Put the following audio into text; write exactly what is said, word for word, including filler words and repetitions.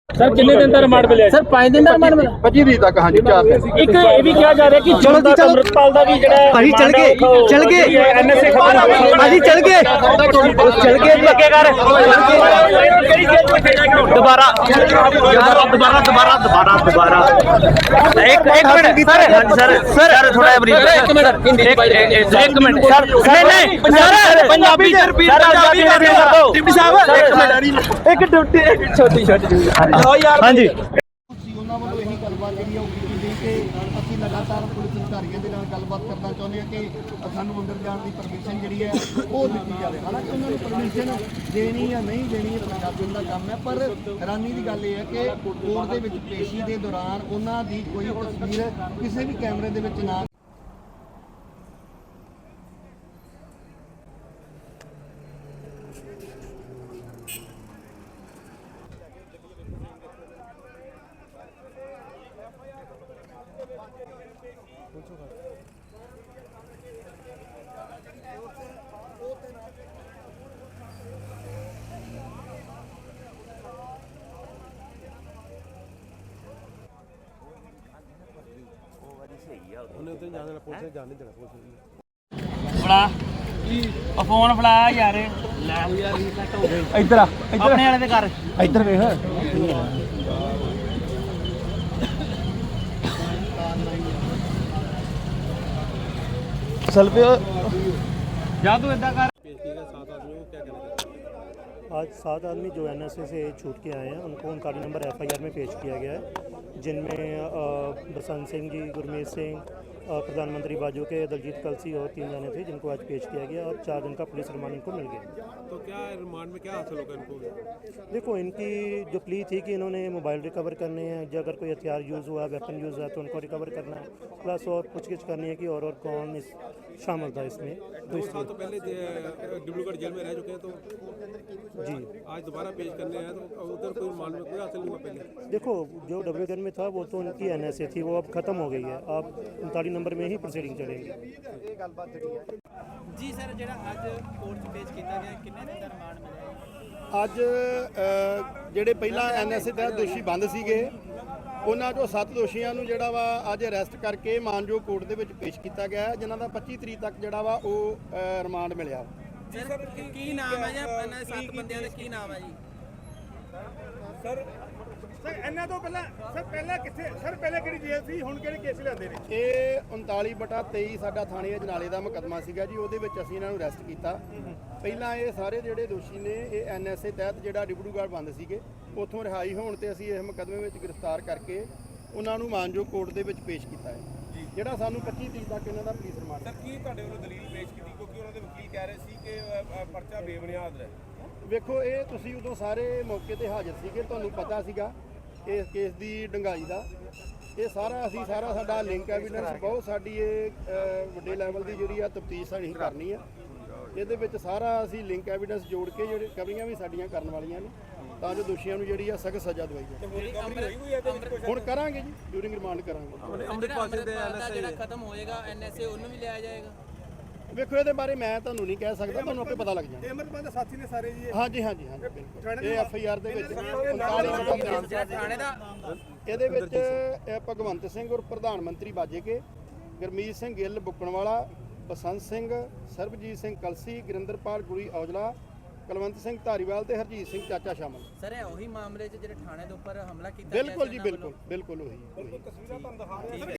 Sir कितने दिन का रिमांड मिले सर पाँच दिन का रिमांड मिला पच्चीस तरीक तक हाँ जी चार दिन एक ये भी किया जा रहा है कि चलो जी, चलो। अमृतपाल दा भी जड़ा भाजी चल गए चल गए एनएसए भाजी चल गए चल गए लगे कर दोबारा दोबारा दोबारा दोबारा दोबारा दोबारा एक एक मिनट सर हाँ जी सर सर थोड़ा ब्रीफ एक मिनट एक मिनट सर नहीं नहीं सर पंजाबी से रिपीट पंजाबी कर दो डिप्टी साहब एक मिनट एक ड्यूटी एक छोटी छोटी हाँ जी ਉਹਨਾਂ ਵੱਲੋਂ ਇਹੀ ਗੱਲਬਾਤ ਜਿਹੜੀ ਉਹ ਕੀਤੀ ਗਈ ਕਿ ਅਸੀਂ ਲਗਾਤਾਰ ਪੁਲਿਸ ਅਧਿਕਾਰੀਆਂ ਦੇ ਨਾਲ ਗੱਲਬਾਤ ਕਰਨਾ ਚਾਹੁੰਦੇ ਹਾਂ ਕਿ ਸਾਨੂੰ ਅੰਦਰ ਜਾਣ ਦੀ ਪਰਮਿਸ਼ਨ ਜਿਹੜੀ ਹੈ ਉਹ ਦਿੱਤੀ ਜਾਵੇ। ਹਾਲਾਂਕਿ ਉਹਨਾਂ ਨੂੰ ਪਰਮਿਸ਼ਨ ਦੇਣੀ ਜਾਂ ਨਹੀਂ ਦੇਣੀ ਪ੍ਰਸ਼ਾਸਨ ਦਾ ਕੰਮ ਹੈ, ਪਰ ਹੈਰਾਨੀ ਦੀ ਗੱਲ ਇਹ ਹੈ ਕਿ ਕੋਰਟ ਦੇ ਵਿੱਚ ਪੇਸ਼ੀ ਦੇ ਦੌਰਾਨ ਉਹਨਾਂ ਦੀ ਕੋਈ ਤਸਵੀਰ ਕਿਸੇ ਵੀ ਕੈਮਰੇ ਦੇ ਵਿੱਚ ਨਾ ਫੜਾ ਉਹ ਫੋਨ ਫੜਾ ਯਾਰ ਲੈ ਯਾਰ ਰੀਸੈਟ ਹੋ ਗਈ ਇੱਧਰ ਆ ਆਪਣੇ ਵਾਲੇ ਤੇ ਕਰ ਇੱਧਰ ਵੇਖ चल पे ਜਾ ਤੂੰ ਇਦਾਂ ਕਰ आज सात आदमी जो एन एस ए से छूट के आए हैं उनको उनकारी नंबर एफ आई आर में पेश किया गया है, जिनमें बसंत सिंह जी, गुरमीत सिंह, प्रधानमंत्री बाजू के दलजीत कलसी और तीन जाने थे जिनको आज पेश किया गया और चार दिन का पुलिस रिमांड इनको मिल गया। तो क्या रिमांड में क्या हासिल होगा इनको? देखो इनकी जो प्ली थी कि इन्होंने मोबाइल रिकवर करने हैं, जो अगर कोई हथियार यूज़ हुआ, वेपन यूज़ हुआ तो उनको रिकवर करना है, प्लस और पूछगिछ करनी है कि और और कौन इस शामिल था इसमें। दो साल तो पहले डिब्रूगढ़ जेल में रह चुके हैं, तो जी आज दोबारा पेश करने हैं तो उधर कोई रिमांड में कोई हासिल नहीं हुआ पहले? देखो जो डब्ल्यू में था वो तो उनकी एन एस ए थी, वो अब ख़त्म हो गई है, अब उनतालीस नंबर में ही प्रोसीडिंग चलेगी। जी सर ਜਿਹੜਾ ਅੱਜ ਕੋਰਟ 'ਚ ਪੇਸ਼ ਕੀਤਾ ਗਿਆ ਕਿੰਨੇ ਦਿਨ ਦਾ ਰਿਮਾਂਡ ਮਿਲਿਆ ਅੱਜ ਅ, ਜਿਹੜੇ ਪਹਿਲਾਂ ਐਨ ਐਸ ਏ ਤਹਿਤ ਦੋਸ਼ੀ ਬੰਦ ਸੀਗੇ ਉਹਨਾਂ ਚੋਂ ਸੱਤ ਦੋਸ਼ੀਆਂ ਨੂੰ ਜਿਹੜਾ ਵਾ ਅੱਜ ਅਰੈਸਟ ਕਰਕੇ ਮਾਨਜੋ ਕੋਰਟ ਦੇ ਵਿੱਚ ਪੇਸ਼ ਕੀਤਾ ਗਿਆ ਹੈ, ਜਿਨ੍ਹਾਂ ਦਾ ਪੱਚੀ ਤਰੀਕ ਤੱਕ ਜਿਹੜਾ ਵਾ ਉਹ ਅ, ਰਿਮਾਂਡ ਮਿਲਿਆ। ਸਰ ਕੀ ਨਾਮ ਹੈ ਜੀ ਇਹਨਾਂ ਦੇ ਸੱਤ ਬੰਦਿਆਂ ਦਾ ਕੀ ਨਾਮ ਹੈ ਜੀ? ਸਰ ਸਰ ਇਹਨਾਂ ਤੋਂ ਪਹਿਲਾਂ ਸਰ ਪਹਿਲਾਂ ਕਿੱਥੇ ਸਰ ਪਹਿਲਾਂ ਕਿਹੜੀ ਜੇਲ੍ਹ ਸੀ, ਹੁਣ ਕਿਹੜੇ ਕੇਸ ਲਿਆਂਦੇ ਨੇ? ਇਹ ਉਨਤਾਲੀ ਬਟਾ ਤੇਈ ਸਾਡਾ ਥਾਣੇ ਅਜਨਾਲੇ ਦਾ ਮੁਕੱਦਮਾ ਸੀਗਾ ਜੀ, ਉਹਦੇ ਵਿੱਚ ਅਸੀਂ ਇਹਨਾਂ ਨੂੰ ਅਰੈਸਟ ਕੀਤਾ। ਪਹਿਲਾਂ ਇਹ ਸਾਰੇ ਜਿਹੜੇ ਦੋਸ਼ੀ ਨੇ ਇਹ ਐਨ ਐਸ ਏ ਤਹਿਤ ਜਿਹੜਾ ਡਿਬੜੂਗੜ੍ਹ ਬੰਦ ਸੀਗੇ ਉੱਥੋਂ ਰਿਹਾਈ ਹੋਣ ਤੇ ਅਸੀਂ ਇਸ ਮੁਕੱਦਮੇ ਵਿੱਚ ਗ੍ਰਿਫਤਾਰ ਕਰਕੇ ਉਹਨਾਂ ਨੂੰ ਮਾਨਜੋ ਕੋਰਟ ਦੇ ਵਿੱਚ ਪੇਸ਼ ਕੀਤਾ ਹੈ, ਜਿਹੜਾ ਸਾਨੂੰ ਪੱਚੀ ਤਰੀਕ ਤੱਕ ਇਹਨਾਂ ਦਾ ਪੁਲਿਸ ਰਿਮਾਂਡ। ਸਰ ਕੀ ਤੁਹਾਡੇ ਵੱਲੋਂ ਦਲੀਲ ਪੇਸ਼ ਕੀਤੀ, ਕਿਉਂਕਿ ਉਹਨਾਂ ਦੇ ਵਕੀਲ ਕਹਿ ਰਹੇ ਸੀ ਕਿ ਅ, ਪਰਚਾ ਬੇਬੁਨਿਆਦ ਹੈ? ਵੇਖੋ ਇਹ ਤੁਸੀਂ ਉਦੋਂ ਸਾਰੇ ਮੌਕੇ ਤੇ ਹਾਜ਼ਰ ਸੀਗੇ, ਤੁਹਾਨੂੰ ਪਤਾ ਸੀਗਾ ਇਸ ਕੇਸ ਦੀ ਡੰਗਾਈ ਦਾ। ਇਹ ਸਾਰਾ ਅਸੀਂ ਸਾਰਾ ਸਾਡਾ ਲਿੰਕ ਐਵੀਡੈਂਸ ਬਹੁਤ ਸਾਡੀ ਇਹ ਅ, ਵੱਡੇ ਲੈਵਲ ਦੀ ਜਿਹੜੀ ਆ ਤਫਤੀਸ਼ ਸਾਡੀ ਕਰਨੀ ਆ, ਇਹਦੇ ਵਿੱਚ ਸਾਰਾ ਅਸੀਂ ਲਿੰਕ ਐਵੀਡੈਂਸ ਜੋੜ ਕੇ ਜਿਹੜੇ ਕਵਰੀਆਂ ਵੀ ਸਾਡੀਆਂ ਕਰਨ ਵਾਲੀਆਂ ਨੇ ਤਾਂ ਜੋ ਦੋਸ਼ੀਆਂ ਨੂੰ ਜਿਹੜੀ ਆ ਸਖਤ ਸਜ਼ਾ ਦਵਾਈ ਜਾਵੇ। ਹੁਣ ਕਰਾਂਗੇ ਜੀ, ਡਿਊਰਿੰਗ ਰਿਮਾਂਡ ਕਰਾਂਗੇ। ਅੰਮ੍ਰਿਤਪਾਲ ਦਾ ਜਿਹੜਾ ਖਤਮ ਹੋਏਗਾ ਐਨ ਐਸ ਏ ਉਹਨੂੰ ਵੀ ਲਿਆ ਜਾਏਗਾ? ਵੇਖੋ ਇਹਦੇ ਬਾਰੇ ਮੈਂ ਤੁਹਾਨੂੰ ਨਹੀਂ ਕਹਿ ਸਕਦਾ, ਤੁਹਾਨੂੰ ਆਪੇ ਪਤਾ ਲੱਗ ਜਾਣਾ। ਅਮਰਪਾਲ ਦੇ ਸਾਥੀ ਨੇ ਸਾਰੇ ਜੀ? ਹਾਂਜੀ ਹਾਂਜੀ ਹਾਂਜੀ ਬਿਲਕੁਲ। ਇਹ ਐਫ ਆਈ ਆਰ ਦੇ ਵਿੱਚ ਉਨਤਾਲੀ ਬਟਾ ਥਾਣੇ ਦਾ ਇਹਦੇ ਵਿੱਚ ਇਹ ਭਗਵੰਤ ਸਿੰਘ ਔਰ ਪ੍ਰਧਾਨ ਮੰਤਰੀ ਬਾਜੇਕੇ, ਗੁਰਮੀਤ ਸਿੰਘ ਗਿੱਲ ਬੁੱਕਣਵਾਲਾ, ਬਸੰਤ ਸਿੰਘ, ਸਰਬਜੀਤ ਸਿੰਘ ਕਲਸੀ, ਗੁਰਿੰਦਰਪਾਲ ਗੁਰੀ ਔਜਲਾ, ਕੁਲਵੰਤ ਸਿੰਘ ਧਾਰੀਵਾਲ ਤੇ ਹਰਜੀਤ ਸਿੰਘ ਚਾਚਾ ਸ਼ਾਮਲ। ਸਰ ਇਹ ਉਹੀ ਮਾਮਲੇ 'ਚ ਜਿਹੜੇ ਥਾਣੇ ਦੇ ਉੱਪਰ ਹਮਲਾ ਕੀਤਾ ਬਿਲਕੁਲ ਜੀ ਬਿਲਕੁਲ ਬਿਲਕੁਲ ਉਹੀ ਉਹੀ। ਤਸਵੀਰਾਂ ਤੁਹਾਨੂੰ ਦਿਖਾ ਰਹੇ